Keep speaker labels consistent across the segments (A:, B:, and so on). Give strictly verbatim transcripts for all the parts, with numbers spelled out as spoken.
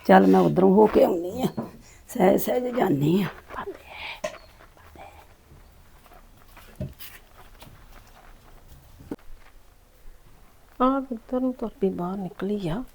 A: ਚੱਲ ਮੈਂ ਉਧਰੋਂ ਹੋ ਕੇ ਆਉਣੀ ਆ, ਸਹਿ ਸਹਿਜ ਜਾਨੀ ਆ।
B: ਆ ਕਿੱਧਰ ਨੂੰ ਤੁਰ ਪਈ, ਬਾਹਰ ਨਿਕਲੀ ਆ।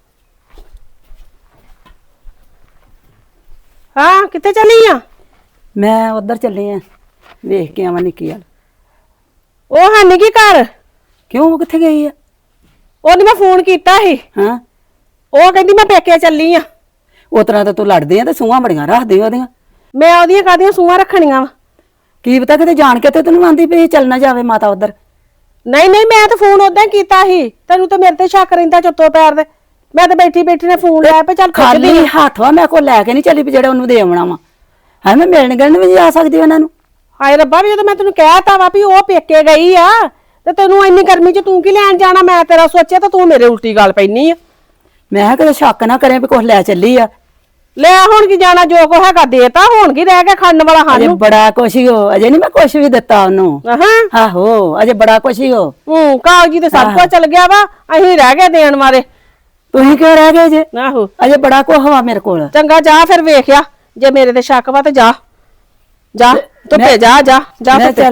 B: ਹਾਂ ਕਿੱਥੇ ਚਲੀ ਆ?
A: ਮੈਂ ਉਧਰ ਚੱਲੀ ਆ, ਵੇਖ ਕੇ ਆਵਾਂ ਨਿੱਕੀ ਵਾਲ।
B: ਉਹ ਹੈ ਨੀ ਕੀ ਘਰ?
A: ਕਿਉਂ, ਉਹ ਕਿੱਥੇ ਗਈ ਆ?
B: ਉਹਨੇ ਮੈਂ ਫੋਨ ਕੀਤਾ ਸੀ,
A: ਹਾਂ
B: ਉਹ ਕਹਿੰਦੀ ਮੈਂ ਪੇਕੇ ਚੱਲੀ ਆ।
A: ਉਸ ਤਰ੍ਹਾਂ ਤਾਂ ਤੂੰ ਲੜਦੀ ਆ ਤੇ ਸੂਹਾਂ ਬੜੀਆਂ ਰੱਖਦੀ ਉਹਦੀਆਂ।
B: ਮੈਂ ਉਹਦੀਆਂ ਕਾਹਦੀਆਂ ਸੂਹਾਂ ਰੱਖਣੀਆਂ ਵਾ?
A: ਕੀ ਪਤਾ ਕਿਤੇ ਜਾਣ ਕੇ ਤੇ ਤੈਨੂੰ ਆਂਦੀ ਪਈ ਚੱਲ ਨਾ ਜਾਵੇ ਮਾਤਾ ਉਧਰ।
B: ਨਹੀਂ ਨਹੀਂ, ਮੈਂ ਤਾਂ ਫੋਨ ਉਦਾਂ ਹੀ ਕੀਤਾ ਸੀ, ਤੈਨੂੰ ਤਾਂ ਮੇਰੇ ਤੇ ਸ਼ੱਕ ਰਹਿੰਦਾ ਚੁੱਤੋ ਪੈਰ ਦੇ। ਮੈਂ ਤਾਂ ਬੈਠੀ ਬੈਠੀ ਨੇ ਫੋਨ ਲਿਆ ਪੇ ਚੱਲ
A: ਖਾਲੀ ਹੱਥ ਵਾ, ਮੈਂ ਕੋਲ ਲੈ ਕੇ ਨਹੀਂ ਚੱਲੀ ਵੀ ਜਿਹੜਾ ਉਹਨੂੰ ਦੇ ਆਉਣਾ ਵਾ। ਹੈ ਮੈਂ ਮਿਲਣ ਗਿਲਣ ਵੀ ਜਾ ਸਕਦੀ ਉਹਨਾਂ ਨੂੰ।
B: ਹਾਏ ਰੱਬਾ, ਵੀ ਜਦੋਂ ਮੈਂ ਤੈਨੂੰ ਕਹਿਤਾ ਵਾ ਵੀ ਉਹ ਪੇਕੇ ਗਈ ਆ ਤੇ ਤੈਨੂੰ ਇੰਨੀ ਗਰਮੀ 'ਚ ਤੂੰ ਕੀ ਲੈਣ ਜਾਣਾ? ਮੈਂ ਤੇਰਾ ਸੋਚਿਆ ਤਾਂ ਤੂੰ ਮੇਰੇ ਉਲਟੀ ਗੱਲ ਪੈਣੀ ਆ।
A: ਮੈਂ ਕਿਹਾ ਕਿਤੇ ਸ਼ੱਕ ਨਾ ਕਰੇ ਵੀ ਕੁਛ ਲੈ ਚੱਲੀ ਆ।
B: ਲੈ ਹੁਣ ਕੀ ਜਾਣਾ, ਜੋ ਕੋ ਹੈਗਾ ਦੇਤਾ, ਹੁਣ ਕੀ ਰਹਿ ਗਿਆ ਖਾਣ ਵਾਲਾ
A: ਅਜੇ
B: ਸਾਨੂੰ?
A: ਬੜਾ ਕੁਛ ਹੀ ਹੋ, ਅਜੇ ਨਹੀਂ ਮੈਂ ਕੁਛ ਵੀ ਦਿੱਤਾ ਉਹਨੂੰ।
B: ਹਾਂ
A: ਆਹੋ ਅਜੇ ਬੜਾ ਕੁਛ ਹੀ ਹੋ।
B: ਹੂੰ, ਕਾਗਜ਼ੀ ਤੇ ਸਭ ਕੁਝ ਚੱਲ ਗਿਆ ਵਾ, ਅਸੀਂ ਰਹਿ ਗਏ ਦੇਣ ਵਾਲੇ।
A: ਤੁਸੀਂ ਕਿਉਂ ਰਹਿ ਗਏ ਜੇ?
B: ਆਹੋ
A: ਅਜੇ ਬੜਾ ਕੁਛ ਵਾ ਮੇਰੇ ਕੋਲ।
B: ਚੰਗਾ ਜਾ ਫਿਰ, ਵੇਖਿਆ ਜੇ ਮੇਰੇ ਤੇ ਸ਼ੱਕ ਵਾ ਤੇ ਜਾ ਜਾ ਧੁੱਪੇ ਜਾ ਜਾ ਜਾ
A: ਮੈਂ
B: ਧੁੱਪੇ।
A: ਚੱਲ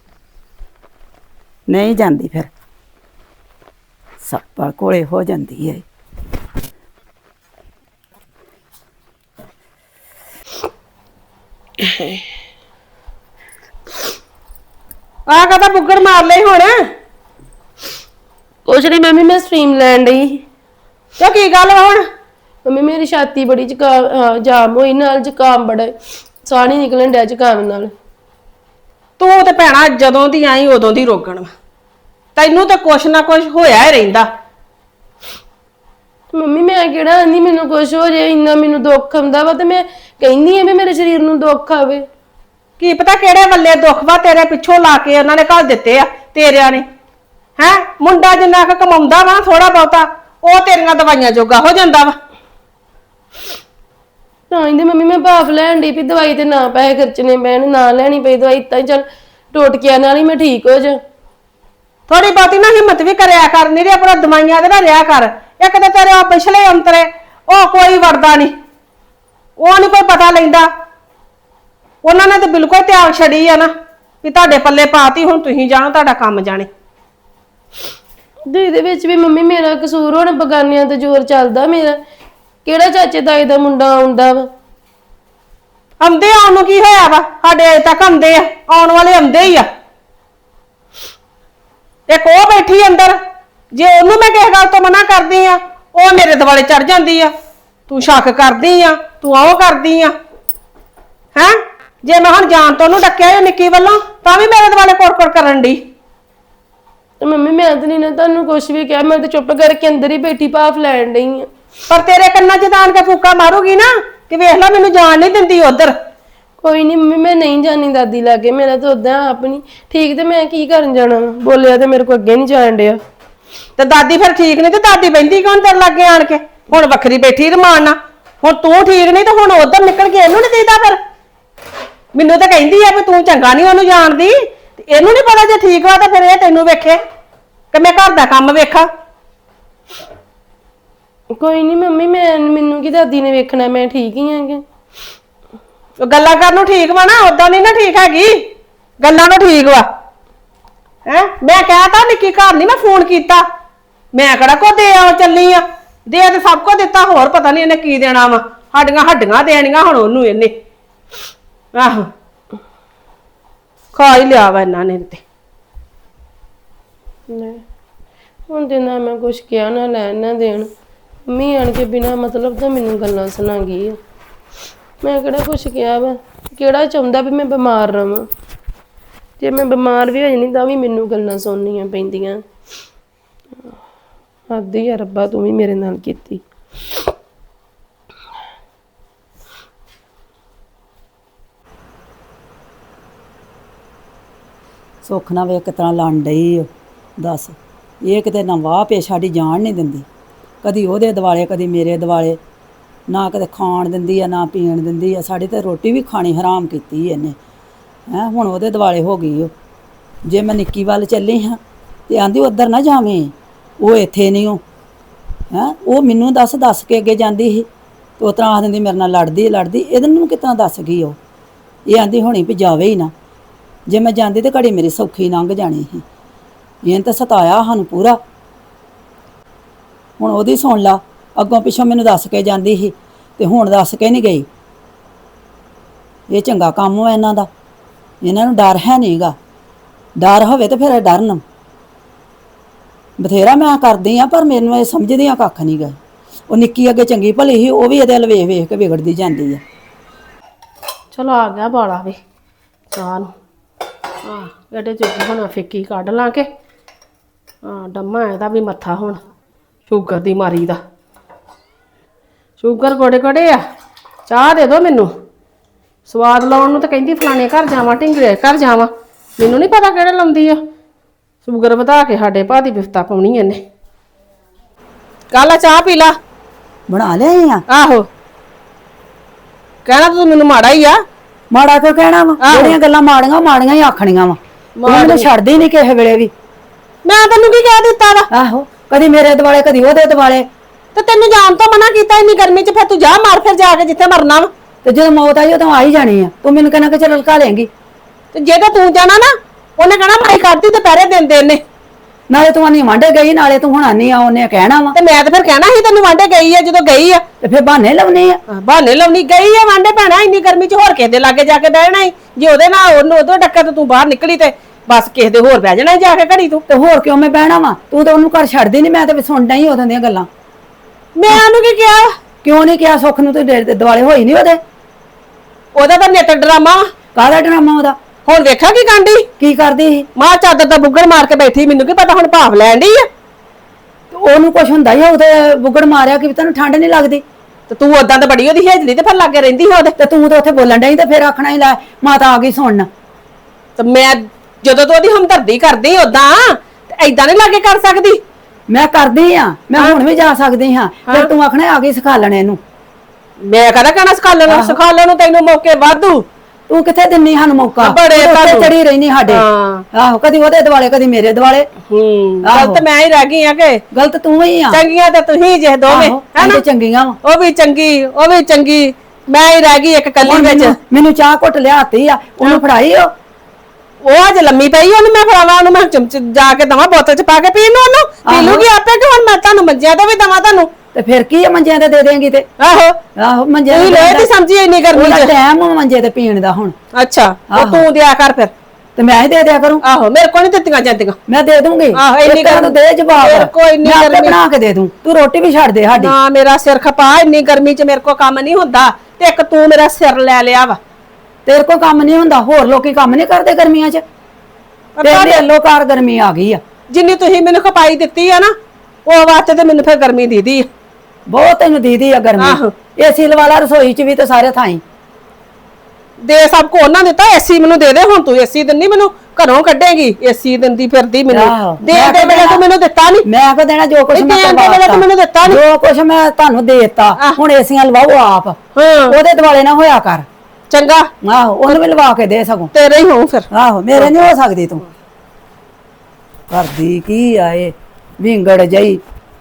A: ਨਹੀਂ ਜਾਂਦੀ ਫਿਰ, ਸੱਪਾਂ ਕੋਲੇ ਹੋ ਜਾਂਦੀ ਹੈ।
B: ਆ ਕਹਦਾ ਬੁੱਗਰ ਮਾਰ ਲਈ ਹੁਣ।
C: ਕੁਛ ਨਹੀਂ ਮੰਮੀ, ਮੈਂ ਸਟ੍ਰੀਮ ਲੈਣ ਡਈ।
B: ਤੇ ਕੀ ਗੱਲ ਵਾ ਹੁਣ?
C: ਮੰਮੀ ਮੇਰੀ ਛਾਤੀ ਬੜੀ ਜ਼ੁਕਾਮ ਜਾਮ ਹੋਈ, ਨਾਲ ਜ਼ੁਕਾਮ ਬੜਾ, ਸਾਹ ਨਹੀਂ ਨਿਕਲਣ ਡਿਆ ਜ਼ੁਕਾਮ ਨਾਲ।
B: ਤੂੰ ਤੇ ਭੈਣਾ ਜਦੋਂ ਦੀ ਆਈ ਉਦੋਂ ਦੀ ਰੋਗਣ ਵਾ, ਤੈਨੂੰ ਤਾਂ ਕੁਛ ਨਾ ਕੁਛ ਹੋਇਆ ਹੀ ਰਹਿੰਦਾ।
C: ਮੰਮੀ ਮੈਂ ਕਿਹੜਾ ਆਂਦੀ ਮੈਨੂੰ ਕੁਛ ਹੋ ਜੇ, ਇੰਨਾ ਮੈਨੂੰ ਦੁੱਖ ਆਉਂਦਾ ਵਾ ਤੇ ਮੈਂ ਕਹਿੰਦੀ ਐ ਵੀ ਮੇਰੇ ਸਰੀਰ ਨੂੰ ਦੁੱਖ ਆਵੇ।
B: ਕੀ ਪਤਾ ਕਿਹੜੇ ਵੱਲੇ ਦੁੱਖ ਵਾ ਤੇਰੇ ਪਿੱਛੋਂ ਲਾ ਕੇ ਉਹਨਾਂ ਨੇ ਘੱਲ ਦਿੱਤੇ ਆ ਤੇਰਿਆਂ ਨੇ। ਹੈ ਮੁੰਡਾ ਜਿੰਨਾ ਕੁ ਕਮਾਉਂਦਾ ਵਾ ਥੋੜਾ ਬਹੁਤਾ, ਉਹ ਤੇਰੀਆਂ ਦਵਾਈਆਂ ਜੋਗਾ ਹੋ ਜਾਂਦਾ ਵਾ।
C: ਤਾਂ ਇਹਦੇ ਮੰਮੀ ਮੈਂ ਭਾਫ ਲੈਣ ਡਈ ਵੀ ਦਵਾਈ ਤੇ ਨਾ ਪੈਸੇ ਖਰਚਣੇ ਪੈਣ, ਨਾ ਲੈਣੀ ਪਈ ਦਵਾਈ, ਤਾਂ ਚੱਲ ਟੋਟਕਿਆਂ ਨਾਲ ਹੀ ਮੈਂ ਠੀਕ ਹੋ ਜਾ।
B: ਥੋੜੀ ਬਹੁਤੀ ਨਾ ਹਿੰਮਤ ਵੀ ਕਰਿਆ ਕਰ, ਨਹੀਂ ਤੇ ਆਪਣਾ ਦਵਾਈਆਂ ਦੇ ਨਾ ਰਿਹਾ ਕਰ। ਇੱਕ ਤਾਂ ਤੇਰੇ ਉਹ ਪਿਛਲੇ ਅੰਤਰੇ ਉਹ ਕੋਈ ਵੜਦਾ ਨਹੀਂ, ਉਹ ਨਹੀਂ ਕੋਈ ਪਤਾ ਲੈਂਦਾ। ਉਹਨਾਂ ਨੇ ਤਾਂ ਬਿਲਕੁਲ ਤਿਆਗ ਛੜੀ ਆ ਨਾ ਵੀ ਤੁਹਾਡੇ ਪੱਲੇ ਪਾਤੀ, ਹੁਣ ਤੁਸੀਂ ਜਾਣੋ ਤੁਹਾਡਾ ਕੰਮ ਜਾਣੇ।
C: ਦੇ ਇਹਦੇ ਵਿੱਚ ਵੀ ਮੰਮੀ ਮੇਰਾ ਕਸੂਰ, ਹੁਣ ਬਗਾਨਿਆਂ ਤੇ ਜ਼ੋਰ ਚੱਲਦਾ ਮੇਰਾ। ਕਿਹੜਾ ਚਾਚੇ ਤਾਏ ਦਾ ਮੁੰਡਾ ਆਉਂਦਾ ਵਾ?
B: ਆਉਂਦੇ ਆਉਣ ਨੂੰ ਕੀ ਹੋਇਆ ਵਾ, ਸਾਡੇ ਅਜੇ ਤੱਕ ਆਉਂਦੇ ਆ, ਆਉਣ ਵਾਲੇ ਆਉਂਦੇ ਹੀ ਆ। ਇੱਕ ਉਹ ਬੈਠੀ ਅੰਦਰ, ਜੇ ਉਹਨੂੰ ਮੈਂ ਕਿਸੇ ਗੱਲ ਤੋਂ ਮਨਾ ਕਰਦੀ ਆ ਉਹ ਮੇਰੇ ਦੁਆਲੇ ਚੜ ਜਾਂਦੀ ਆ, ਤੂੰ ਸ਼ੱਕ ਕਰਦੀ ਆ, ਤੂੰ ਉਹ ਕਰਦੀ ਆ। ਹੈਂ ਜੇ ਮੈਂ ਹੁਣ ਜਾਣ ਤੋਂ ਉਹਨੂੰ ਡੱਕਿਆ ਨਿੱਕੀ ਵੱਲੋਂ ਤਾਂ ਵੀ ਮੇਰੇ ਦੁਆਲੇ ਕੋੜ-ਕੋੜ ਕਰਨ ਦੀ।
C: ਤੇ ਮੰਮੀ ਮੈਂ ਤਾਂ ਨਹੀਂ ਨਾ ਤੁਹਾਨੂੰ ਕੁਛ ਵੀ ਕਿਹਾ, ਮੈਂ ਤਾਂ ਚੁੱਪ ਕਰਕੇ ਅੰਦਰ ਹੀ ਬੈਠੀ ਭਾਫ ਲੈਣ ਡਈ ਆ।
B: ਪਰ ਤੇਰੇ ਕੰਨਾਂ 'ਚ ਤਾਣ ਕੇ ਫੂਕਾ ਮਾਰੂਗੀ ਨਾ ਕਿ ਵੇਖ ਲੈ ਮੈਨੂੰ ਜਾਣ ਨਹੀਂ ਦਿੰਦੀ ਉਧਰ।
C: ਕੋਈ ਨਹੀਂ ਮੰਮੀ, ਮੈਂ ਨਹੀਂ ਜਾਣੀ ਦਾਦੀ ਲਾਗੇ, ਮੇਰਾ ਤਾਂ ਉਦਾਂ ਆਪ ਨਹੀਂ ਠੀਕ, ਤੇ ਮੈਂ ਕੀ ਕਰਨ ਜਾਣਾ? ਬੋਲਿਆ ਤੇ ਮੇਰੇ ਕੋ ਅੱਗੇ ਨਹੀਂ ਜਾਣ ਡਿਆ।
B: ਤੇ ਦਾਦੀ ਫਿਰ ਠੀਕ ਨਹੀਂ ਤੇ ਦਾਦੀ ਬੈਠੀ ਕੌਣ ਤੇਰੇ ਲਾਗੇ ਆਣ ਕੇ? ਹੁਣ ਵੱਖਰੀ ਬੈਠੀ ਰਮਾਨ ਨਾਲ। ਹੁਣ ਤੂੰ ਠੀਕ ਨਹੀਂ ਤੇ ਹੁਣ ਉਧਰ ਨਿਕਲ ਕੇ ਇਹਨੂੰ ਨਹੀਂ ਦੇਦਾ? ਫਿਰ ਮੈਨੂੰ ਤਾਂ ਕਹਿੰਦੀ ਆ ਵੀ ਤੂੰ ਚੰਗਾ ਨਹੀਂ ਉਹਨੂੰ ਜਾਣਦੀ, ਤੇ ਇਹਨੂੰ ਨਹੀਂ ਪਤਾ ਜੇ ਠੀਕ ਵਾ ਤਾਂ ਫਿਰ ਇਹ ਤੈਨੂੰ ਵੇਖੇ ਕਿ ਮੈਂ ਘਰ ਦਾ ਕੰਮ ਵੇਖਾਂ।
C: ਕੋਈ ਨਹੀਂ ਮੰਮੀ, ਮੈਂ ਮੈਨੂੰ ਕੀ ਦਾਦੀ ਨੇ ਵੇਖਣਾ, ਮੈਂ ਠੀਕ ਹੀ ਆਂਗੇ।
B: ਗੱਲਾਂ ਕਰਨ ਨੂੰ ਠੀਕ ਵਾ ਨਾ, ਉਦਾਂ ਨਹੀਂ ਨਾ ਠੀਕ ਹੈਗੀ, ਗੱਲਾਂ ਨੂੰ ਠੀਕ ਵਾ। ਹੈ ਮੈਂ ਕਹਿਤਾ ਨਿੱਕੀ ਘਰ ਨਹੀਂ ਮੈਂ ਫੋਨ ਕੀਤਾ, ਮੈਂ ਕਿਹੜਾ ਕੋ ਦੇ ਆ ਚੱਲੀ ਆ, ਦੇ ਤੇ ਸਭ ਕੁਝ ਦਿੱਤਾ, ਹੋਰ ਪਤਾ ਨਹੀਂ ਇਹਨੇ ਕੀ ਦੇਣਾ ਵਾ। ਸਾਡੀਆਂ ਹੱਡੀਆਂ ਦੇਣੀਆਂ ਹੁਣ ਉਹਨੂੰ ਇਹਨੇ। ਆਹੋ ਖਾ ਹੀ ਲਿਆ ਵਾ ਇਹਨਾਂ ਨੇ ਤੇ।
C: ਹੁਣ ਤੇ ਨਾ ਮੈਂ ਕੁਛ ਕਿਹਾ ਨਾ ਲੈਣ ਨਾ ਦੇਣ, ਮੰਮੀ ਆਣ ਕੇ ਬਿਨਾ ਮਤਲਬ ਤਾਂ ਮੈਨੂੰ ਗੱਲਾਂ ਸੁਣਾ ਗਈ ਆ। ਮੈਂ ਕਿਹੜਾ ਕੁਛ ਕਿਹਾ ਵਾ? ਕਿਹੜਾ ਚਾਹੁੰਦਾ ਵੀ ਮੈਂ ਬਿਮਾਰ ਰਵਾਂ? ਜੇ ਮੈਂ ਬਿਮਾਰ ਵੀ ਹੋ ਜਾਣੀ ਤਾਂ ਵੀ ਮੈਨੂੰ ਗੱਲਾਂ ਸੁਣਨੀਆਂ ਪੈਂਦੀਆਂ। ਹੱਦ ਹੀ ਆ ਰੱਬਾ, ਤੂੰ ਵੀ ਮੇਰੇ ਨਾਲ ਕੀਤੀ।
A: ਸੁੱਖ ਨਾ ਵੇਖ ਕਿਤਨਾ ਲੰਡ ਡਈ ਦੱਸ, ਇਹ ਕਿਤੇ ਨਾ ਵਾਹ ਪੇ ਸਾਡੀ ਜਾਣ ਨਹੀਂ ਦਿੰਦੀ, ਕਦੀ ਉਹਦੇ ਦਿਵਾਲੇ ਕਦੀ ਮੇਰੇ ਦਿਵਾਲੇ, ਨਾ ਕਦੇ ਖਾਣ ਦਿੰਦੀ ਆ ਨਾ ਪੀਣ ਦਿੰਦੀ ਆ। ਸਾਡੀ ਤੇ ਰੋਟੀ ਵੀ ਖਾਣੀ ਹਰਾਮ ਕੀਤੀ ਇਹਨੇ। ਹੈਂ ਹੁਣ ਉਹਦੇ ਦਿਵਾਲੇ ਹੋ ਗਈ ਉਹ। ਜੇ ਮੈਂ ਨਿੱਕੀ ਵੱਲ ਚੱਲੀ ਹਾਂ ਤੇ ਆਂਦੀ ਉੱਧਰ ਨਾ ਜਾਵੇਂ, ਉਹ ਇੱਥੇ ਨਹੀਂ ਉਹ। ਹੈਂ ਉਹ ਮੈਨੂੰ ਦੱਸ ਦੱਸ ਕੇ ਅੱਗੇ ਜਾਂਦੀ ਸੀ ਤੇ ਉਸ ਤਰ੍ਹਾਂ ਆਖ ਦਿੰਦੀ ਮੇਰੇ ਨਾਲ ਲੜਦੀ ਲੜਦੀ ਇਹਦੇ ਨੂੰ ਕਿਤਨਾ ਦੱਸ ਗਈ ਉਹ। ਇਹ ਆਂਦੀ ਹੋਣੀ ਵੀ ਜਾਵੇ ਹੀ ਨਾ, ਜੇ ਮੈਂ ਜਾਂਦੀ ਤੇ ਘੜੀ ਮੇਰੀ ਸੌਖੀ ਲੰਘ ਜਾਣੀ ਸੀ। ਇਹਨੇ ਤਾਂ ਸਤਾਇਆ ਸਾਨੂੰ ਪੂਰਾ। ਹੁਣ ਉਹਦੀ ਸੁਣ ਲਾ, ਅੱਗੋਂ ਪਿੱਛੋਂ ਮੈਨੂੰ ਦੱਸ ਕੇ ਜਾਂਦੀ ਸੀ ਤੇ ਹੁਣ ਦੱਸ ਕੇ ਨਹੀਂ ਗਈ। ਇਹ ਚੰਗਾ ਕੰਮ ਹੋ ਇਹਨਾਂ ਦਾ, ਇਹਨਾਂ ਨੂੰ ਡਰ ਹੈ ਨਹੀਂਗਾ। ਡਰ ਹੋਵੇ ਤੇ ਫਿਰ ਡਰਨ। ਬਥੇਰਾ ਮੈਂ ਕਰਦੀ ਆ ਪਰ ਮੈਨੂੰ ਇਹ ਸਮਝਦੀਆਂ ਕੱਖ ਨਹੀਂ ਗਏ। ਉਹ ਨਿੱਕੀ ਅੱਗੇ ਚੰਗੀ ਭਲੀ ਸੀ, ਉਹ ਵੀ ਇਹਦੇ ਵੱਲ ਵੇਖ ਵੇਖ ਕੇ ਵਿਗੜਦੀ ਜਾਂਦੀ ਆ।
C: ਚਲੋ ਆ ਗਿਆ ਬਾਲਾ ਵੀ ਚਾਹ ਨੂੰ। ਆ ਇਹਦੇ ਚ ਹੁਣ ਫਿੱਕੀ ਕੱਢ ਲਾਂ ਕੇ। ਆ ਡੰਮਾ ਇਹਦਾ ਵੀ ਮੱਥਾ ਹੁਣ ਸ਼ੂਗਰ ਦੀ ਮਾਰੀ ਦਾ। ਸ਼ੂਗਰ ਕੋੜੇ ਕੋੜੇ ਆ, ਚਾਹ ਦੇ ਦੋ ਮੈਨੂੰ। ਸਵਾਦ ਲਾਉਣ ਨੂੰ ਤਾਂ ਕਹਿੰਦੀ ਫਲਾਣੇ ਘਰ ਜਾਵਾਂ, ਢਿੰਗਰੇ ਘਰ ਜਾਵਾਂ। ਮੈਨੂੰ ਨਹੀਂ ਪਤਾ ਕਿਹੜੇ ਲਾਉਂਦੀ ਆ। ਸ਼ੂਗਰ ਵਧਾ ਕੇ ਸਾਡੇ ਭਾਅ ਦੀ ਬਿਫਤਾ ਪਾਉਣੀ ਇਹਨੇ। ਕੱਲ ਚਾਹ ਪੀ ਲਾ।
A: ਬਣਾ ਲਿਆਈ ਆ?
C: ਆਹੋ, ਕਹਿਣਾ ਤੂੰ ਮੈਨੂੰ ਮਾੜਾ ਹੀ ਆ।
A: ਮਾੜਾ ਕਿਉਂ ਕਹਿਣਾ ਵਾ? ਜਿਹੜੀਆਂ ਗੱਲਾਂ ਮਾੜੀਆਂ ਮਾੜੀਆਂ ਹੀ ਆਖਣੀਆਂ ਵਾ। ਤੂੰ ਮੈਨੂੰ ਛੱਡਦੀ ਨਹੀਂ ਕਿਸੇ ਵੇਲੇ ਵੀ।
C: ਮੈਂ ਤੈਨੂੰ ਕੀ ਕਹਿ ਦਿੱਤਾ ਵਾ?
A: ਆਹੋ, ਕਦੀ ਮੇਰੇ ਦੁਆਲੇ ਕਦੀ ਉਹਦੇ ਦੁਆਲੇ।
C: ਤੇ ਤੈਨੂੰ ਜਾਣ ਤੋਂ ਮਨਾ ਕੀਤਾ ਇੰਨੀ ਗਰਮੀ 'ਚ, ਫਿਰ ਤੂੰ ਜਾ ਮਾਰ ਫਿਰ ਜਾ ਕੇ ਜਿੱਥੇ ਮਰਨਾ ਵਾ।
A: ਤੇ ਜਦੋਂ ਮੌਤ ਆਈ ਉਦੋਂ ਆ ਹੀ ਜਾਣੀ ਆ। ਤੂੰ ਮੈਨੂੰ ਕਹਿਣਾ ਕਿ ਚੱਲ ਲੁਕਾ ਲੇਂਗੀ।
C: ਤੇ ਜੇ ਤਾਂ ਤੂੰ ਜਾਣਾ ਨਾ, ਉਹਨੇ ਕਹਿਣਾ ਮਾਈ ਕਰਦੀ ਤੇ ਪੈਰੇ ਦਿੰਦੇ ਇਹਨੇ।
A: ਨਾਲੇ ਤੂੰ ਆਨੀ ਵਾਂਡੇ ਗਈ, ਨਾਲੇ ਤੂੰ ਹੁਣ ਆਨੀ ਆ ਉਹਨੇ ਕਹਿਣਾ ਵਾ।
C: ਤੇ ਮੈਂ ਤਾਂ ਫਿਰ ਕਹਿਣਾ ਸੀ ਤੈਨੂੰ ਵਾਂਡੇ ਗਈ ਆ, ਜਦੋਂ ਗਈ ਆ
A: ਤੇ ਫਿਰ ਬਹਾਨੇ ਲਾਉਣੇ ਆ।
C: ਬਹਾਨੇ ਲਾਉਣੀ ਗਈ ਆ ਵਾਂਡੇ ਭੈਣਾ। ਇੰਨੀ ਗਰਮੀ 'ਚ ਹੋਰ ਕਿਸੇ ਦੇ ਲਾਗੇ ਜਾ ਕੇ ਬਹਿਣਾ ਹੀ। ਜੇ ਉਹਦੇ ਨਾਲ ਉਹਨੂੰ ਉਦੋਂ ਡੱਕਾ ਤੇ ਤੂੰ ਬਾਹਰ ਨਿਕਲੀ ਤੇ ਬਸ ਕਿਸੇ ਦੇ ਹੋਰ ਬਹਿ ਜਾਣਾ ਜਾ ਕੇ ਘੜੀ ਤੂੰ।
A: ਤੇ ਹੋਰ ਕਿਉਂ ਮੈਂ ਬਹਿਣਾ ਵਾ? ਤੂੰ ਤਾਂ ਉਹਨੂੰ ਘਰ ਛੱਡਦੀ ਨਹੀਂ। ਮੈਂ ਤਾਂ ਸੁਣਦਾ ਹੀ ਉਦੋਂ ਦੀਆਂ ਗੱਲਾਂ।
C: ਮੈਂ ਉਹਨੂੰ ਕੀ ਕਿਹਾ?
A: ਕਿਉਂ ਨਹੀਂ ਕਿਹਾ? ਸੁੱਖ ਨੂੰ ਤੇ ਦੁਆਲੇ ਹੋਈ ਨਹੀਂ ਉਹਦੇ।
C: ਉਹਦਾ ਤਾਂ ਨਿੱਤ ਡਰਾਮਾ।
A: ਕਾਹਦਾ ਡਰਾਮਾ ਉਹਦਾ?
C: ਹੁਣ ਵੇਖਿਆ ਕੀ ਕਾਂਡੀ
A: ਕੀ ਕਰਦੀ ਸੀ?
C: ਮਾਂ ਚਾਦਰ ਦਾ ਬੁੱਗੜ ਮਾਰ ਕੇ ਬੈਠੀ। ਮੈਨੂੰ ਕੀ ਪਤਾ ਹੁਣ ਭਾਵ ਲੈਣ ਡਈ ਆ।
A: ਉਹਨੂੰ ਕੁਛ ਹੁੰਦਾ ਹੀ ਉਹਦੇ ਬੁੱਗੜ ਮਾਰਿਆ ਕਿ ਤੈਨੂੰ ਠੰਡ ਨਹੀਂ ਲੱਗਦੀ।
C: ਤੇ ਤੂੰ ਉਦਾਂ ਤਾਂ ਬੜੀ ਉਹਦੀ ਹੇਜਲੀ ਤੇ ਫਿਰ ਲਾਗੇ ਰਹਿੰਦੀ ਸੀ ਉਹਦੇ।
A: ਤੇ ਤੂੰ ਤਾਂ ਉੱਥੇ ਬੋਲਣ ਡਈ ਤੇ ਫਿਰ ਆਖਣਾ ਹੀ ਲੈ ਮਾਤਾ ਆ ਗਈ ਸੁਣਨ।
C: ਤੇ ਮੈਂ ਜਦੋਂ ਤੂੰ ਉਹਦੀ ਹਮਦਰਦੀ ਕਰਦੀ ਉਦਾਂ ਤੇ ਐਦਾਂ ਨਹੀਂ ਲਾਗੇ ਕਰ ਸਕਦੀ।
A: ਮੈਂ ਕਰਦੀ ਆ, ਮੈਂ ਹੁਣ ਵੀ ਜਾ ਸਕਦੀ ਹਾਂ। ਫਿਰ ਤੂੰ ਆਖਣਾ ਆ ਗਈ ਸਿਖਾਲਣ ਇਹਨੂੰ।
C: ਮੈਂ ਕਹਦਾ ਕਹਿਣਾ ਸਿਖਾਲਣ ਨੂੰ ਸਿਖਾਲਣ ਨੂੰ ਤੈਨੂੰ ਮੌਕੇ ਵਾਧੂ।
A: ਤੂੰ ਕਿੱਥੇ ਦਿੰਨੀ ਸਾਨੂੰ ਮੌਕਾ?
C: ਬੜੇ
A: ਉੱਤੇ ਚੜੀ ਰਹਿਨੀ ਸਾਡੇ। ਆਹੋ, ਕਦੀ ਉਹਦੇ ਦੁਆਲੇ ਕਦੀ ਮੇਰੇ ਦੁਆਲੇ।
C: ਹੂੰ, ਗਲਤ ਮੈਂ ਹੀ ਰਹਿ ਗਈ ਆ ਕਿ
A: ਗਲਤ ਤੂੰ ਹੀ ਆ।
C: ਚੰਗੀਆਂ ਤੇ ਤੁਸੀਂ ਜੇ ਦੋਵੇਂ
A: ਹੈਨਾ? ਚੰਗੀਆਂ ਵਾ।
C: ਉਹ ਵੀ ਚੰਗੀ ਉਹ ਵੀ ਚੰਗੀ, ਮੈਂ ਹੀ ਰਹਿ ਗਈ ਇੱਕ ਕੱਲੀ ਵਿੱਚ।
A: ਮੈਨੂੰ ਚਾਹ ਘੁੱਟ ਲਿਆਤੀ ਆ, ਉਹਨੂੰ ਫੜਾਈ। ਉਹ
C: ਉਹ ਅੱਜ ਲੰਮੀ ਪਈ, ਉਹਨੂੰ ਮੈਂ ਫੜਾਵਾਂ, ਉਹਨੂੰ ਮੈਂ ਚਮਚ ਜਾ ਕੇ ਦਵਾਂ ਬੋਤਲ ਚ ਪਾ ਕੇ ਪੀਣ ਨੂੰ। ਉਹਨੂੰ ਪੀ ਲੂਗੀ ਆਪੇ ਕਿ ਹੁਣ ਮੈਂ ਤੁਹਾਨੂੰ ਮੰਜਿਆਂ ਤੋਂ ਵੀ ਦਵਾਂ ਤੁਹਾਨੂੰ?
A: ਤੇ ਫਿਰ ਕੀ ਆ, ਮੰਜਿਆਂ ਤੇ ਦੇ ਦੇਂਗੀ ਤੇ।
C: ਆਹੋ
A: ਆਹੋ, ਮੰਜੇ
C: ਤੂੰ ਲੈ ਤੇ ਸਮਝੀ ਇੰਨੀ ਗਰਮੀ
A: ਉਹਦਾ
C: ਚ।
A: ਟਾਈਮ ਮੰਜੇ ਤੇ ਪੀਣ ਦਾ ਹੁਣ।
C: ਅੱਛਾ, ਉਹ ਤੂੰ ਦਿਆ ਕਰ ਫਿਰ।
A: ਤੇ ਮੈਂ ਹੀ ਦੇ ਦਿਆ ਕਰੂੰ।
C: ਆਹੋ, ਮੇਰੇ ਕੋਲ ਨਹੀਂ ਦਿੱਤੀਆਂ ਜਾਂਦੀਆਂ।
A: ਮੈਂ ਦੇ ਦੂੰਗੀ।
C: ਆਹੋ, ਇੰਨੀ
A: ਗਰਮੀ ਦੇ ਜਵਾਬ।
C: ਮੇਰੇ ਕੋਲ ਇੰਨੀ
A: ਮੈਂ ਆਪੇ
C: ਗਰਮੀ
A: ਬਣਾ ਕੇ ਦੇ ਦੂੰ। ਤੂੰ ਰੋਟੀ ਵੀ ਛੱਡ ਦੇ ਸਾਡੀ।
C: ਨਾ ਮੇਰਾ ਸਿਰ ਖਪਾ, ਇੰਨੀ ਗਰਮੀ ਚ ਮੇਰੇ ਕੋਲ ਕੰਮ ਨਹੀਂ ਹੁੰਦਾ। ਤੇ ਇੱਕ ਤੂੰ ਮੇਰਾ ਸਿਰ ਲੈ ਲਿਆ ਵਾ।
A: ਤੇਰੇ ਕੋਲ ਕੰਮ ਨਹੀਂ ਹੁੰਦਾ? ਹੋਰ ਲੋਕੀ ਕੰਮ ਨਹੀਂ ਕਰਦੇ ਗਰਮੀਆਂ 'ਚ? ਤੇਰੇ ਲੋਕਾਰ ਗਰਮੀ ਆ ਗਈ ਆ।
C: ਜਿੰਨੀ ਤੁਸੀਂ ਮੈਨੂੰ ਖਪਾਈ ਦਿੱਤੀ ਆ ਨਾ, ਉਹ ਵਾਸਤੇ ਤੇ ਮੈਨੂੰ ਫਿਰ ਗਰਮੀ ਦੀਦੀ ਆ।
A: ਬਹੁਤ ਤੈਨੂੰ ਦੀਦੀ ਆ ਗਰਮੀ। ਏਸੀ ਲਵਾ ਲਾ ਰਸੋਈ 'ਚ ਵੀ ਤੇ ਸਾਰੇ ਥਾਈਂ।
C: ਦੇ ਸਭ ਕੋ ਉਹਨਾਂ ਦਿੱਤਾ, ਏਸੀ ਮੈਨੂੰ ਦੇ ਦੇ। ਹੁਣ ਤੂੰ ਏਸੀ ਦਿੰਦੀ ਮੈਨੂੰ, ਘਰੋਂ ਕੱਢੇਗੀ। ਏਸੀ ਦਿੰਦੀ ਫਿਰਦੀ ਮੈਨੂੰ। ਦੇ ਦੇ ਵੇਲੇ ਤੂੰ ਮੈਨੂੰ ਦਿੱਤਾ ਨਹੀਂ।
A: ਮੈਂ ਕੋ ਦੇਣਾ ਜੋ ਕੁਛ ਮੈਂ
C: ਦੇ ਵੇਲੇ ਤੂੰ ਮੈਨੂੰ ਦਿੱਤਾ ਨਹੀਂ।
A: ਜੋ ਕੁਛ ਮੈਂ ਤੁਹਾਨੂੰ ਦੇ ਦਿੱਤਾ। ਹੁਣ ਏਸੀਆਂ ਲਵਾਓ ਆਪ। ਉਹਦੇ ਦੁਆਲੇ ਨਾ ਹੋਇਆ ਕਰ।
C: ਚੰਗਾ,
A: ਆਹੋ, ਉਹਨੂੰ ਵੀ ਲਵਾ ਕੇ ਦੇ ਸਗੋਂ।
C: ਤੇਰੇ ਹੀ ਹੋਊ ਫਿਰ।
A: ਆਹੋ, ਮੇਰੇ ਨਹੀਂ ਹੋ ਸਕਦੀ ਤੂੰ। ਕਰਦੀ ਕੀ ਆਏ ਵਿੰਗੜ ਜਈ।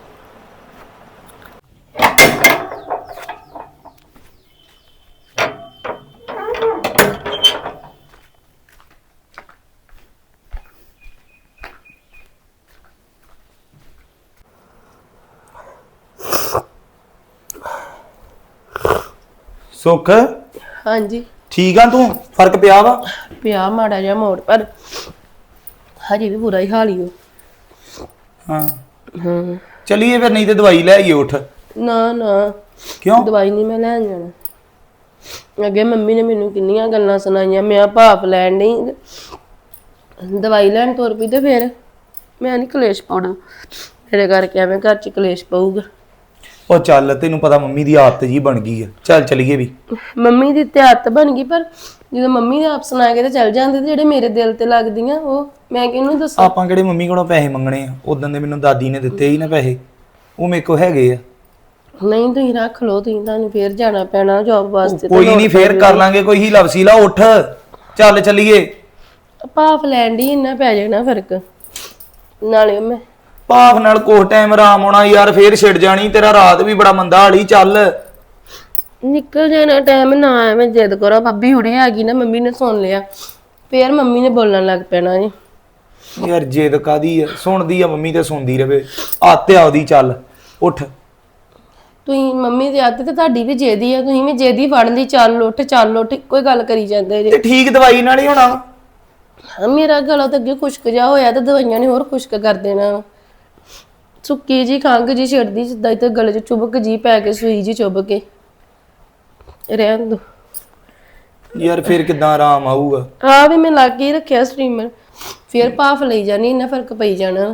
D: ਸੁੱਖ,
C: ਹਾਂਜੀ
D: ਠੀਕ ਆ ਤੂੰ? ਫਰਕ ਪਿਆ ਵਾ?
C: ਪਿਆ ਮਾੜਾ ਜਿਹਾ ਮੋੜ, ਪਰ ਹਜੇ ਵੀ ਬੁਰਾ ਹੀ ਹਾਲ ਹੀ ਉਹ।
D: ਹਾਂ
C: ਹਾਂ,
D: ਚਲੀਏ ਫਿਰ, ਨਹੀਂ ਤੇ ਦਵਾਈ ਲੈ ਆਈਏ। ਉੱਠ।
C: ਨਾ ਨਾ,
D: ਕਿਉਂ?
C: ਦਵਾਈ ਨਹੀਂ ਮੈਂ ਲੈਣ ਜਾਣਾ। ਅੱਗੇ ਮੰਮੀ ਨੇ ਮੈਨੂੰ ਕਿੰਨੀਆਂ ਗੱਲਾਂ ਸੁਣਾਈਆਂ। ਮੈਂ ਭਾਪ ਲੈਣ ਨਹੀਂ, ਦਵਾਈ ਲੈਣ ਤੁਰ ਪਈ ਤੇ ਫਿਰ ਮੈਂ ਨਹੀਂ ਕਲੇਸ਼ ਪਾਉਣਾ। ਮੇਰੇ ਕਰਕੇ ਐਵੇਂ ਘਰ 'ਚ ਕਲੇਸ਼ ਪਊਗਾ।
D: ਉਹ ਚੱਲ, ਤੈਨੂੰ ਪਤਾ ਮੰਮੀ ਦੀ ਆਦਤ ਜੀ ਬਣ ਗਈ ਆ। ਚੱਲ ਚਲੀਏ ਵੀ।
C: ਮੰਮੀ ਦੀ ਤੇ ਆਦਤ ਬਣ ਗਈ, ਪਰ ਜਦੋਂ ਮੰਮੀ ਨੇ ਆਪ ਸੁਣਾ ਕੇ ਤੇ ਚੱਲ ਜਾਂਦੇ ਤੇ ਜਿਹੜੇ ਮੇਰੇ ਦਿਲ ਤੇ ਲੱਗਦੀਆਂ ਉਹ ਮੈਂ ਕਿਹਨੂੰ ਦੱਸਾਂ?
D: ਆਪਾਂ ਕਿਹੜੇ ਮੰਮੀ ਕੋਲੋਂ ਪੈਸੇ ਮੰਗਣੇ ਆ? ਉਦੋਂ ਦੇ ਮੈਨੂੰ ਦਾਦੀ ਨੇ ਦਿੱਤੇ ਹੀ ਨਾ ਪੈਸੇ, ਉਹ ਮੇਰੇ ਕੋਲ ਹੈਗੇ ਆ।
C: ਨਹੀਂ ਤੁਸੀਂ ਰੱਖ ਲਓ, ਤੁਸੀਂ ਤੁਹਾਨੂੰ ਫੇਰ ਜਾਣਾ ਪੈਣਾ ਜੌਬ ਵਾਸਤੇ।
D: ਕੋਈ ਨਹੀਂ, ਫੇਰ ਕਰ ਲਾਂਗੇ ਕੋਈ ਹੀਲਾ ਵਸੀਲਾ। ਉੱਠ, ਚੱਲ ਚਲੀਏ।
C: ਭਾਫ ਲੈਣ ਦੀ ਇੰਨਾ ਪੈ ਜਾਣਾ ਫਰਕ। ਨਾਲੇ ਮੈਂ
D: ਭਾਫ ਨਾਲ ਕੋਹ ਟਾਈਮ ਆਰਾਮ ਆਉਣਾ ਯਾਰ, ਫੇਰ ਛਿੜ ਜਾਣੀ। ਤੇਰਾ ਰਾਤ ਵੀ ਬੜਾ ਮੰਦਾ ਹਾਲੀ। ਚੱਲ
C: ਨਿਕਲ ਜਾਣਾ ਟਾਈਮ ਨਾ ਐਵੇਂ ਜਿੱਦ ਕਰੋ। ਭਾਬੀ ਹੁਣੇ ਆ ਗਈ ਨਾ, ਮੰਮੀ ਨੇ ਸੁਣ ਲਿਆ, ਫੇਰ ਮੰਮੀ ਨੇ ਬੋਲਣ ਲੱਗ ਪੈਣਾ ਜੀ।
D: ਯਾਰ ਜਿੱਦ ਕਾਦੀ ਆ, ਸੁਣਦੀ ਆ ਮੰਮੀ ਤੇ ਸੁਣਦੀ ਰਵੇ। ਆਤੇ ਆਉਦੀ ਚੱਲ ਉੱਠ।
C: ਤੁਸੀਂ ਮੰਮੀ ਦੀ ਆਦਤ ਤੇ ਤੁਹਾਡੀ ਵੀ ਜੇਦੀ ਆ, ਤੁਸੀਂ ਵੀ ਜੇਦੀ ਫੜ ਲਈ, ਚੱਲ ਉੱਠ ਚੱਲ ਉੱਠ, ਕੋਈ ਗੱਲ ਕਰੀ ਜਾਂਦੇ ਜੇ।
D: ਤੇ ਠੀਕ ਦਵਾਈ ਨਾਲ ਹੀ ਹੋਣਾ।
C: ਹਾਂ, ਮੇਰਾ ਗਲਾ ਤਾਂ ਅੱਗੇ ਖੁਸ਼ਕ ਜਾ ਹੋਇਆ ਤੇ ਦਵਾਈਆਂ ਨੇ ਹੋਰ ਖੁਸ਼ਕ ਕਰ ਦੇਣਾ। ਸੁੱਕੀ ਜੀ ਖੰਘ ਜੀ ਛਿੜਦੀ ਜਿੱਦਾਂ ਇੱਥੇ ਗਲੇ 'ਚ ਚੁਬਕ ਜੀ ਪੈ ਕੇ, ਸੂਈ ਜੀ ਚੁੱਭ ਕੇ। ਰਹਿਣ ਦੋ
D: ਯਾਰ ਫਿਰ ਕਿੱਦਾਂ ਆਰਾਮ ਆਊਗਾ?
C: ਆ ਵੀ ਮੈਂ ਲੱਗ ਹੀ ਰੱਖਿਆ ਸਟ੍ਰੀਮਰ, ਫੇਰ ਭਾਫ ਲਈ ਜਾਣੀ, ਇੰਨਾ ਫਰਕ ਪਈ ਜਾਣਾ।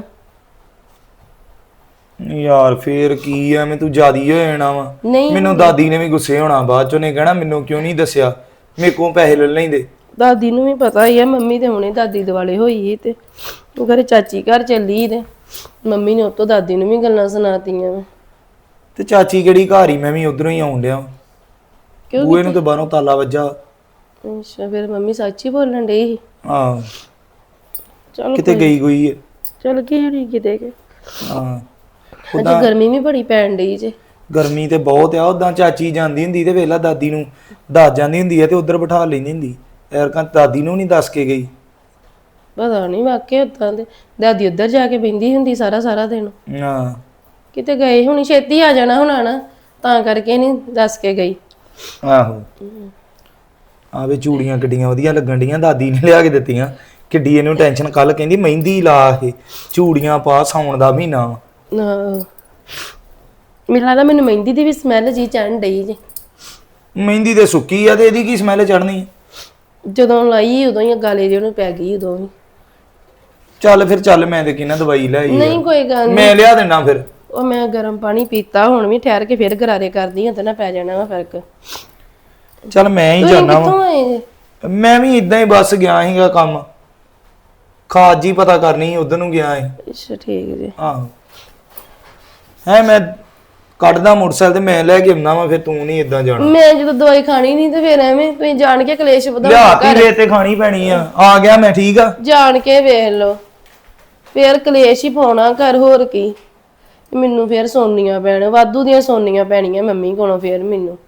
D: ਯਾਰ ਫੇਰ ਕੀ ਆ, ਮੈਂ ਤੂੰ ਜਿਆਦੀ ਹੋ ਜਾਣਾ ਵਾ।
C: ਨਹੀਂ
D: ਮੈਨੂੰ ਦਾਦੀ ਨੇ ਵੀ ਗੁੱਸੇ ਹੋਣਾ, ਬਾਅਦ ਚੋਂ ਨੇ ਕਹਿਣਾ ਮੈਨੂੰ ਕਿਉਂ ਨਹੀਂ ਦੱਸਿਆ, ਮੇਰੇ ਕੋਲ ਪੈਸੇ ਲੈ ਲੈਂਦੇ।
C: ਦਾਦੀ ਨੂੰ ਵੀ ਪਤਾ ਹੀ ਆ, ਮੰਮੀ ਤੇ ਹੁਣੇ ਦਾਦੀ ਦੁਆਲੇ ਹੋਈ ਸੀ ਤੇ ਉਹ ਘਰੇ ਚਾਚੀ ਘਰ ਚੱਲੀ ਤੇ ਮੰਮੀ ਨੇ ਉਤੋਂ ਦਾਦੀ ਨੂੰ ਵੀ ਗੱਲਾਂ ਸੁਣਾਤੀਆਂ।
D: ਤੇ ਚਾਚੀ ਕਿਹੜੀ ਘਰ ਹੀ, ਮੈਂ ਵੀ ਉਧਰੋਂ ਹੀ ਆਉਣ ਡਿਆ।
C: ਕਿਉਂ
D: ਬੂਏ ਨੂੰ ਤੇ ਬਾਹਰੋਂ ਤਾਲਾ ਵੱਜਾ।
C: ਅੱਛਾ, ਫਿਰ ਮੰਮੀ ਸੱਚ ਹੀ ਬੋਲਣ ਡਈ ਸੀ।
D: ਹਾਂ
C: ਚਲ
D: ਕਿਤੇ ਗਈ ਗਈ ਹੈ।
C: ਚਲ ਕੀ ਹੋਣੀ ਕਿਤੇ ਕਿ
D: ਹਾਂ
C: ਅੱਜ ਗਰਮੀ ਵੀ ਬੜੀ ਪੈਣ ਡਈ ਜੇ।
D: ਗਰਮੀ ਤੇ ਬਹੁਤ ਆ। ਉਦਾਂ ਚਾਚੀ ਜਾਂਦੀ ਹੁੰਦੀ ਤੇ ਵੇਲਾ ਦਾਦੀ ਨੂੰ ਦੱਸ ਜਾਂਦੀ ਹੁੰਦੀ ਹੈ ਤੇ ਉਧਰ ਬਿਠਾ ਲੈਂਦੀ ਹੁੰਦੀ। ਐਰਕਾਂ ਦਾਦੀ ਨੂੰ ਨਹੀਂ ਦੱਸ ਕੇ ਗਈ।
C: ਪਤਾ ਨਹੀਂ ਵਾਕਿਆ ਉਦਾਂ ਦੇ ਦਾਦੀ ਉੱਧਰ ਜਾ ਕੇ ਬਹਿੰਦੀ ਹੁੰਦੀ ਸਾਰਾ ਸਾਰਾ ਦਿਨ।
D: ਹਾਂ
C: ਕਿਤੇ ਗਏ ਹੁਣੀ, ਛੇਤੀ ਆ ਜਾਣਾ ਹੁਣ ਨਾ, ਤਾਂ ਕਰਕੇ ਨਹੀਂ ਦੱਸ ਕੇ ਗਈ।
D: ਆਹੋ ਆਵੇ ਚੂੜੀਆਂ ਕਿੱਡੀਆਂ ਵਧੀਆ ਲੱਗਣ ਡੀਆਂ, ਦਾਦੀ ਨੇ ਲਿਆ ਕੇ ਦਿੱਤੀਆਂ। ਕਿੱਡੀ ਇਹਨੂੰ ਟੈਨਸ਼ਨ, ਕੱਲ ਕਹਿੰਦੀ ਮਹਿੰਦੀ ਲਾ ਇਹ ਚੂੜੀਆਂ ਪਾ, ਸਾਉਣ ਦਾ ਮਹੀਨਾ ਵਾ।
C: ਨਾ ਮੈਨੂੰ ਲੱਗਦਾ ਮੈਨੂੰ ਮਹਿੰਦੀ ਦੀ ਵੀ ਸਮੈਲ ਜੀ ਚੜਨ ਡਈ ਜੇ।
D: ਮਹਿੰਦੀ ਤੇ ਸੁੱਕੀ ਆ ਤੇ ਇਹਦੀ ਕੀ ਸਮੈਲ ਚੜਨੀ?
C: ਜਦੋਂ ਲਾਈ ਉਦੋਂ ਹੀ ਗਾਲੇ ਜਿਹੇ ਨੂੰ ਪੈ ਗਈ ਉਦੋਂ ਹੀ।
D: ਚੱਲ ਫਿਰ ਚੱਲ, ਮੈਂ ਤੇ ਕਿਹਨਾਂ ਦਵਾਈ ਲੈ ਆਈ।
C: ਨਹੀਂ ਕੋਈ ਗੱਲ ਨਹੀਂ,
D: ਮੈਂ ਲਿਆ ਦੇਣਾ ਫਿਰ।
C: ਉਹ ਮੈਂ ਗਰਮ ਪਾਣੀ ਪੀਤਾ, ਹੁਣ ਵੀ ਠਹਿਰ ਕੇ ਫਿਰ ਗਰਾਰੇ ਕਰਦੀ ਹਾਂ ਤੇ ਨਾ ਪੈ ਜਾਣਾ ਵਾ ਫਰਕ।
D: ਚੱਲ ਮੈਂ ਹੀ
C: ਤੁਸੀਂ
D: ਜਾਣਾ
C: ਕਿੱਥੋਂ
D: ਵਾ।
C: ਆਏ ਜੇ?
D: ਮੈਂ ਵੀ ਇਦਾਂ ਹੀ ਬਸ ਗਿਆ ਸੀਗਾ ਕੰਮ, ਖਾਦ ਜੀ ਪਤਾ ਕਰਨੀ ਸੀ, ਉਧਰ ਨੂੰ ਗਿਆ ਸੀ।
C: ਅੱਛਾ ਠੀਕ ਜੀ।
D: ਆਹੋ ਹੈ, ਮੈਂ ਕੱਢਦਾ ਮੋਟਰਸਾਈਕਲ ਤੇ ਮੈਂ ਲੈ ਕੇ ਆਉਣਾ ਵਾ, ਫਿਰ ਤੂੰ ਨਹੀਂ ਇਦਾਂ ਜਾਣਾ।
C: ਮੈਂ ਜਦੋਂ ਦਵਾਈ ਖਾਣੀ ਨਹੀਂ ਤੇ ਫਿਰ ਐਵੇਂ ਤੁਸੀਂ ਜਾਣ ਕੇ ਕਲੇਸ਼ ਵਧਾਉਣਾ
D: ਲਿਆਤੀ
C: ਘਰ।
D: ਵੇ ਤੇ ਖਾਣੀ ਪੈਣੀ ਆ। ਆ ਗਿਆ ਮੈਂ, ਠੀਕ ਆ।
C: ਜਾਣ ਕੇ ਵੇਖ ਲਓ, ਫਿਰ ਕਲੇਸ਼ ਹੀ ਪਾਉਣਾ ਘਰ, ਹੋਰ ਕੀ। ਮੈਨੂੰ ਫਿਰ ਸੋਨੀਆਂ ਪੈਣ, ਵਾਧੂ ਦੀਆਂ ਸੋਨੀਆਂ ਪੈਣੀਆਂ ਮੰਮੀ ਕੋਲੋਂ ਫਿਰ ਮੈਨੂੰ।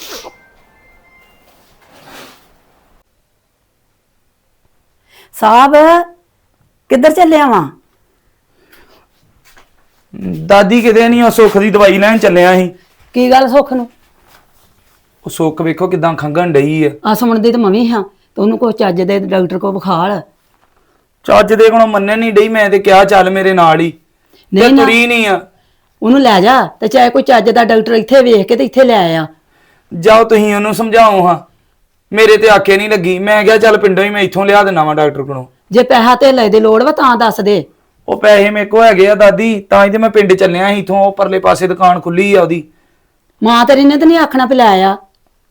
A: ਸਾਹਿਬ ਕਿੱਧਰ ਚੱਲਿਆ ਵਾਂ?
D: ਦਾਦੀ ਕਿਤੇ ਨਹੀਂ, ਉਹ ਸੁੱਖ ਦੀ ਦਵਾਈ ਲੈਣ ਚੱਲਿਆ ਸੀ।
A: ਕੀ ਗੱਲ ਸੁੱਖ ਨੂੰ?
D: ਉਹ ਸੁੱਖ ਵੇਖੋ ਕਿਦਾਂ ਖੰਗਣ ਡਈ ਆ।
A: ਆ ਸੁਣ ਦੀ ਤੇ ਮੰਮੀ ਹਾਂ, ਤੇ ਉਹਨੂੰ ਕੋਈ ਚੱਜ ਦੇ ਡਾਕਟਰ ਕੋਲ ਵਿਖਾਲ।
D: ਚੱਜ ਦੇ ਕੋਲੋਂ ਮੰਨਣ ਨਹੀਂ ਡਈ, ਮੈਂ ਤੇ ਕਿਹਾ ਚੱਲ ਮੇਰੇ ਨਾਲ ਹੀ, ਤੇ
A: ਨਹੀਂ ਨਾ,
D: ਤੁਰੀ ਨਹੀਂ ਆ।
A: ਉਹਨੂੰ ਲੈ ਜਾ ਤੇ ਚਾਹੇ ਕੋਈ ਚੱਜ ਦਾ ਡਾਕਟਰ ਇੱਥੇ ਵੇਖ ਕੇ ਤੇ ਇੱਥੇ ਲੈ ਆ।
D: ਜਾਓ ਤੁਸੀਂ ਉਹਨੂੰ ਸਮਝਾਓ ਹਾਂ, ਮੇਰੇ ਤੇ ਆਖੇ ਨਹੀਂ ਲੱਗੀ। ਮੈਂ ਕਿਹਾ ਚੱਲ ਪਿੰਡੋਂ ਹੀ ਮੈਂ ਇੱਥੋਂ ਲਿਆ ਦਿੰਦਾ ਵਾਂ ਡਾਕਟਰ ਕੋਲੋਂ।
A: ਜੇ ਪੈਸਾ ਧੇਲੇ ਦੀ ਲੋੜ ਵਾ ਤਾਂ ਦੱਸ ਦੇ।
D: ਉਹ ਪੈਸੇ ਮੇਰੇ ਕੋਲ ਹੈਗੇ ਆ ਦਾਦੀ, ਤਾਂ ਹੀ ਤੇ ਮੈਂ ਪਿੰਡ ਚੱਲਿਆ ਸੀ। ਇਥੋਂ ਉਹ ਪਰਲੇ ਪਾਸੇ ਦੁਕਾਨ ਖੁੱਲੀ ਆ ਉਹਦੀ।
A: ਮਾਂ ਤੇਰੀ ਨੇ ਤਾਂ ਨਹੀਂ ਆਖਣਾ ਵੀ ਲੈ ਆ।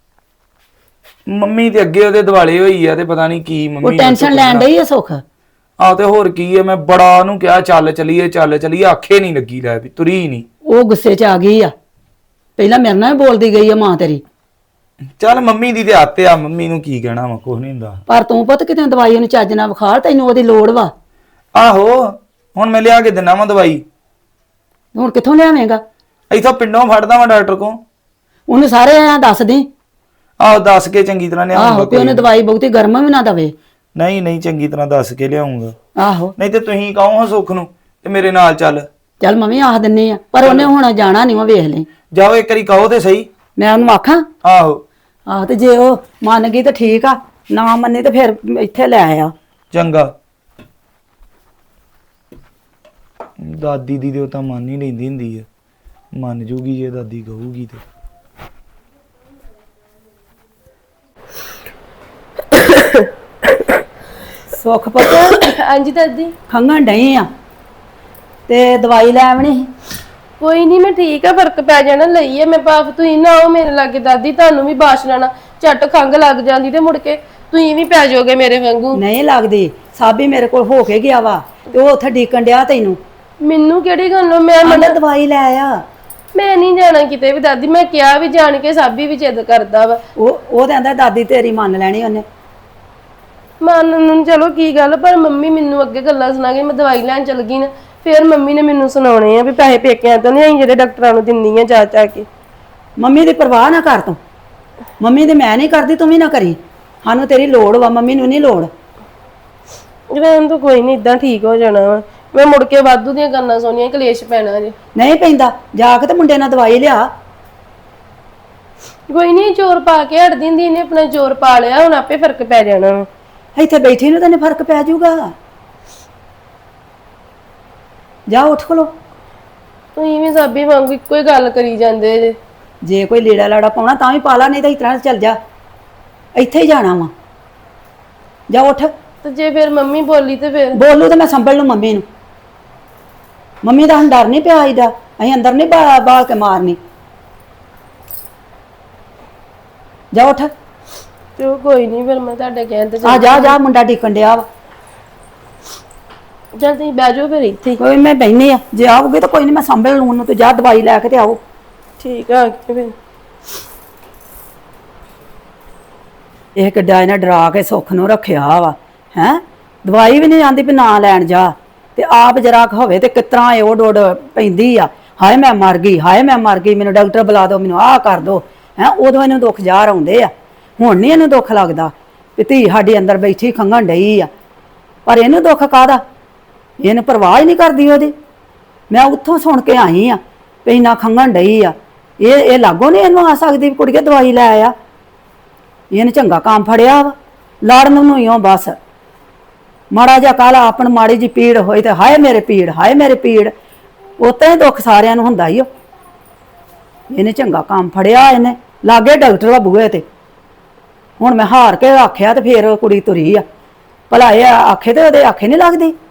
D: ਮੰਮੀ ਤੇ ਅੱਗੇ ਉਹਦੇ ਦਿਵਾਲੇ ਹੋਈ ਆ ਤੇ ਪਤਾ ਨਹੀਂ ਕੀ ਮੰਮੀ
A: ਉਹ ਟੈਨਸ਼ਨ ਲੈਣ ਡਈ ਆ ਸੁੱਖ।
D: ਆਹ ਤੇ ਹੋਰ ਕੀ ਆ, ਮੈਂ ਬੜਾ ਉਹਨੂੰ ਕਿਹਾ ਚੱਲ ਚਲੀਏ ਚੱਲ ਚਲੀਏ, ਆਖੇ ਨਹੀਂ ਲੱਗੀ, ਲੈ ਵੀ ਤੁਰੀ ਨਹੀਂ।
A: ਉਹ ਗੁੱਸੇ 'ਚ ਆ ਗਈ ਆ, ਪਹਿਲਾਂ ਮੇਰੇ ਨਾਲ ਵੀ ਬੋਲਦੀ ਗਈ ਆ ਮਾਂ ਤੇਰੀ।
D: ਚੱਲ ਮੰਮੀ ਦੀ ਤੇ ਆਤੇ ਆ, ਮੰਮੀ ਨੂੰ ਕੀ ਕਹਿਣਾ ਵਾ, ਕੁਝ ਨਹੀਂ ਹੁੰਦਾ।
A: ਪਰ ਤੂੰ ਪੁੱਤ ਕਿਤੇ ਦਵਾਈ ਉਹਨੂੰ ਚੱਜ ਨਾਲ ਵਿਖਾਲ, ਤੈਨੂੰ ਉਹਦੀ ਲੋੜ ਵਾ।
D: ਆਹੋ ਹੁਣ ਮੈਂ ਲਿਆ ਕੇ ਦਿੰਦਾ ਵਾਂ ਦਵਾਈ।
A: ਹੁਣ ਕਿੱਥੋਂ ਲਿਆਵੇਂਗਾ?
D: ਇੱਥੋਂ ਪਿੰਡੋਂ ਫੜਦਾ ਵਾਂ ਡਾਕਟਰ ਕੋਲ।
A: ਉਹਨੂੰ ਸਾਰੇ ਐਂ ਦੱਸ ਦੇ।
D: ਆਹੋ ਦੱਸ ਕੇ ਚੰਗੀ ਤਰ੍ਹਾਂ
A: ਆਹੋ
D: ਲਿਆਉਂਗਾ।
A: ਵੀ ਉਹਨੇ ਦਵਾਈ ਬਹੁਤੀ ਗਰਮ ਵੀ ਨਾ ਦਵੇ।
D: ਨਹੀਂ ਨਹੀਂ ਚੰਗੀ ਤਰ੍ਹਾਂ ਦੱਸ ਕੇ ਲਿਆਉਂਗਾ।
A: ਆਹੋ
D: ਨਹੀਂ ਤੇ ਤੁਸੀਂ ਕਹੋ ਹਾਂ ਸੁੱਖ ਨੂੰ ਤੇ ਮੇਰੇ ਨਾਲ ਚੱਲ।
A: ਚੱਲ ਮੰਮੀ ਆਖ ਦਿੰਨੀ ਆ, ਪਰ ਉਹਨੇ ਹੁਣ ਜਾਣਾ ਨਹੀਂ, ਉਹ ਵੇਖ ਲਈ।
D: ਜਾਓ ਇੱਕ ਵਾਰੀ ਕਹੋ ਤੇ ਸਹੀ।
A: ਮੈਂ ਉਹਨੂੰ ਆਖਾਂ?
D: ਆਹੋ
A: ਆਹ ਤੇ ਜੇ ਉਹ ਮੰਨ ਗਈ ਤਾਂ ਠੀਕ ਆ, ਨਾ ਮੰਨੇ ਤਾਂ ਫਿਰ ਇੱਥੇ ਲੈ ਆ।
D: ਚੰਗਾ। ਦਾਦੀ ਦੀ ਤੇ ਉਹ ਤਾਂ ਮੰਨ ਹੀ ਲੈਂਦੀ ਹੁੰਦੀ ਆ, ਮੰਨ ਜੂਗੀ ਜੇ ਦਾਦੀ ਕਹੂਗੀ ਤੇ।
A: ਸੁੱਖ ਪੁੱਤ
C: ਹਾਂਜੀ ਦਾਦੀ।
A: ਖੰਘਣ ਡਈ ਆ ਤੇ ਦਵਾਈ ਲੈ ਆਵਣੀ।
C: ਕੋਈ ਨਹੀਂ, ਮੈਂ ਠੀਕ ਆ, ਫਰਕ ਪੈ ਜਾਣਾ, ਲਈ ਆ ਮੈਂ ਭਾਫ। ਤੁਸੀਂ ਨਾ ਆਓ ਮੇਰੇ ਲਾਗੇ ਦਾਦੀ, ਤੁਹਾਨੂੰ ਵੀ ਬਾਸ਼ ਲੈਣਾ, ਝੱਟ ਖੰਘ ਲੱਗ ਜਾਂਦੀ ਤੇ ਮੁੜ ਕੇ ਤੁਸੀਂ ਵੀ ਪੈ ਜਾਓਗੇ ਮੇਰੇ ਵਾਂਗੂ।
A: ਨਹੀਂ ਲੱਗਦੀ, ਸਾਬੀ ਮੇਰੇ ਕੋਲ ਹੋ ਕੇ ਗਿਆ ਵਾ ਤੇ ਉਹ ਉੱਥੇ ਡੀਕਣ ਡਿਆ ਤੈਨੂੰ।
C: ਮੈਨੂੰ ਕਿਹੜੀ ਗੱਲੋਂ? ਮੈਂ
A: ਆਂਦਾ ਦਵਾਈ ਲੈ ਆ।
C: ਮੈਂ ਨਹੀਂ ਜਾਣਾ ਕਿਤੇ ਵੀ ਦਾਦੀ, ਮੈਂ ਕਿਹਾ ਵੀ ਜਾਣ ਕੇ ਸਾਬੀ ਵੀ ਜਿੱਦ ਕਰਦਾ ਵਾ।
A: ਉਹ ਉਹ ਤੇ ਆਂਦਾ ਦਾਦੀ ਤੇਰੀ ਮੰਨ ਲੈਣੀ ਉਹਨੇ।
C: ਮੰਨ ਨੂੰ ਚਲੋ ਕੀ ਗੱਲ, ਪਰ ਮੰਮੀ ਮੈਨੂੰ ਅੱਗੇ ਗੱਲਾਂ ਸੁਣਾ ਕੇ ਮੈਂ ਦਵਾਈ ਲੈਣ ਚਲ ਗਈ ਨਾ, ਫਿਰ ਮੰਮੀ ਨੇ ਮੈਨੂੰ ਸੁਣਾਉਣੇ ਆ ਵੀ ਪੈਸੇ ਪੇਕਿਆਂ ਤੋਂ ਨਹੀਂ ਆਈ ਜਿਹੜੇ ਡਾਕਟਰਾਂ ਨੂੰ ਦਿੰਨੀ ਆ ਜਾ ਜਾ ਕੇ।
A: ਮੰਮੀ ਦੀ ਪਰਵਾਹ ਨਾ ਕਰ ਤੂੰ, ਮੰਮੀ ਤੇ ਮੈਂ ਨਹੀਂ ਕਰਦੀ, ਤੂੰ ਵੀ ਨਾ ਕਰੀ। ਸਾਨੂੰ ਤੇਰੀ ਲੋੜ ਵਾ, ਮੰਮੀ ਨੂੰ ਨਹੀਂ ਲੋੜ।
C: ਰਹਿਣ ਤੋਂ ਕੋਈ ਨਹੀਂ, ਇਦਾਂ ਠੀਕ ਹੋ ਜਾਣਾ ਵਾ। ਮੈਂ ਮੁੜ ਕੇ ਵਾਧੂ ਦੀਆਂ ਗੱਲਾਂ ਸੁਣੀਆਂ, ਕਲੇਸ਼ ਪੈਣਾ ਜੇ।
A: ਨਹੀਂ ਪੈਂਦਾ, ਜਾ ਕੇ ਤੇ ਮੁੰਡੇ ਨਾਲ ਦਵਾਈ ਲਿਆ।
C: ਕੋਈ ਨਹੀਂ, ਜ਼ੋਰ ਪਾ ਕੇ ਹਟ ਦਿੰਦੀ, ਇਹਨੇ ਆਪਣਾ ਜ਼ੋਰ ਪਾ ਲਿਆ, ਹੁਣ ਆਪੇ ਫਰਕ ਪੈ ਜਾਣਾ ਵਾ।
A: ਇੱਥੇ ਬੈਠੀ ਨੂੰ ਤੈਨੂੰ ਫਰਕ ਪੈ ਜਾਊਗਾ। ਜਾ ਉੱਠ ਖਲੋ।
C: ਤੁਸੀਂ ਵੀ ਸਾਬੀ ਵਾਂਗੂ ਇੱਕੋ ਹੀ ਗੱਲ ਕਰੀ ਜਾਂਦੇ ਜੇ।
A: ਜੇ ਕੋਈ ਲੀੜਾ ਲਾੜਾ ਪਾਉਣਾ ਤਾਂ ਵੀ ਪਾ ਲਾ, ਨਹੀਂ ਤਾਂ ਇਸ ਤਰ੍ਹਾਂ ਚੱਲ ਜਾ, ਇੱਥੇ ਹੀ ਜਾਣਾ ਵਾ। ਜਾ ਉੱਠ।
C: ਤੇ ਜੇ ਫਿਰ ਮੰਮੀ ਬੋਲੀ ਤੇ ਫਿਰ
A: ਬੋਲੂ ਤੇ ਮੈਂ ਸੰਭਲ ਲੂ ਮੰਮੀ ਨੂੰ। ਮੰਮੀ ਦਾ ਹੁਣ ਡਰ ਨਹੀਂ ਪਿਆ ਇਹਦਾ, ਅਸੀਂ ਅੰਦਰ ਨਹੀਂ ਬਾ- ਬਾਲ ਕੇ ਮਾਰਨੀ। ਜਾ ਉੱਠ।
C: ਤੇ ਉਹ ਕੋਈ ਨਹੀਂ, ਫਿਰ ਮੈਂ ਤੁਹਾਡੇ ਕਹਿਣ ਤੇ
A: ਆ ਜਾ ਜਾ, ਮੁੰਡਾ ਡਿੱਕਣ ਡਿਆ ਵਾ।
C: ਚੱਲ ਤੁਸੀਂ ਬਹਿ ਜਾਓ ਫਿਰ ਇੱਥੇ ਹੀ।
A: ਕੋਈ ਮੈਂ ਬੈਠੀ ਆ, ਜੇ ਆਉਗੇ ਤਾਂ ਕੋਈ ਨਹੀਂ, ਮੈਂ ਸੰਭਲ ਲੂ ਉਹਨੂੰ। ਤੂੰ ਜਾ ਦਵਾਈ ਲੈ ਕੇ ਤੇ ਆਓ।
C: ਠੀਕ ਆ ਕੇ ਫਿਰ।
A: ਇਹ ਕਿੱਡਾ ਇਹਨੇ ਡਰਾ ਕੇ ਸੁੱਖ ਨੂੰ ਰੱਖਿਆ ਵਾ ਹੈ। ਦਵਾਈ ਵੀ ਨਹੀਂ ਆਂਦੀ ਵੀ ਨਾ ਲੈਣ ਜਾ, ਤੇ ਆਪ ਜਰਾ ਹੋਵੇ ਤੇ ਕਿਤਰਾ ਇਹ ਓਡ ਓਡ ਪੈਂਦੀ ਆ। ਹਾਏ ਮੈਂ ਮਰ ਗਈ, ਹਾਏ ਮੈਂ ਮਰ ਗਈ, ਮੈਨੂੰ ਡਾਕਟਰ ਬੁਲਾ ਦਿਓ, ਮੈਨੂੰ ਆਹ ਕਰ ਦਿਓ ਹੈ। ਉਦੋਂ ਇਹਨੂੰ ਦੁੱਖ ਜ਼ਾਹਰ ਆਉਂਦੇ ਆ, ਹੁਣ ਨਹੀਂ ਇਹਨੂੰ ਦੁੱਖ ਲੱਗਦਾ ਵੀ ਧੀ ਸਾਡੀ ਅੰਦਰ ਬੈਠੀ ਖੰਘਣ ਡਈ ਆ। ਪਰ ਇਹਨੂੰ ਦੁੱਖ ਕਾਹਦਾ, ਇਹਨੂੰ ਪਰਵਾਹ ਹੀ ਨਹੀਂ ਕਰਦੀ ਉਹਦੀ। ਮੈਂ ਉੱਥੋਂ ਸੁਣ ਕੇ ਆਈ ਆ ਵੀ ਇੰਨਾ ਖੰਘਣ ਡਈ ਆ। ਇਹ ਇਹ ਲਾਗੋਂ ਨਹੀਂ ਇਹਨੂੰ ਆ ਸਕਦੀ ਵੀ ਕੁੜੀਏ ਦਵਾਈ ਲੈ ਆ। ਇਹਨੇ ਚੰਗਾ ਕੰਮ ਫੜਿਆ ਵਾ, ਲੜਨ ਨੂੰ ਹੀ ਓ ਬਸ। ਮਾੜਾ ਜਿਹਾ ਕਾਲਾ ਆਪਣ ਮਾੜੀ ਜੀ ਪੀੜ ਹੋਈ ਤੇ ਹਾਏ ਮੇਰੇ ਪੀੜ, ਹਾਏ ਮੇਰੇ ਪੀੜ, ਉਤਾਂ ਹੀ ਦੁੱਖ ਸਾਰਿਆਂ ਨੂੰ ਹੁੰਦਾ ਹੀ। ਉਹ ਇਹਨੇ ਚੰਗਾ ਕੰਮ ਫੜਿਆ, ਇਹਨੇ ਲਾਗੇ ਡਾਕਟਰ ਦਾ ਬੂਹੇ ਤੇ। ਹੁਣ ਮੈਂ ਹਾਰ ਕੇ ਆਖਿਆ ਤੇ ਫੇਰ ਕੁੜੀ ਤੁਰੀ ਆ। ਭਲਾ ਇਹ ਆਖੇ ਤੇ ਉਹਦੇ ਆਖੇ ਨਹੀਂ ਲੱਗਦੀ।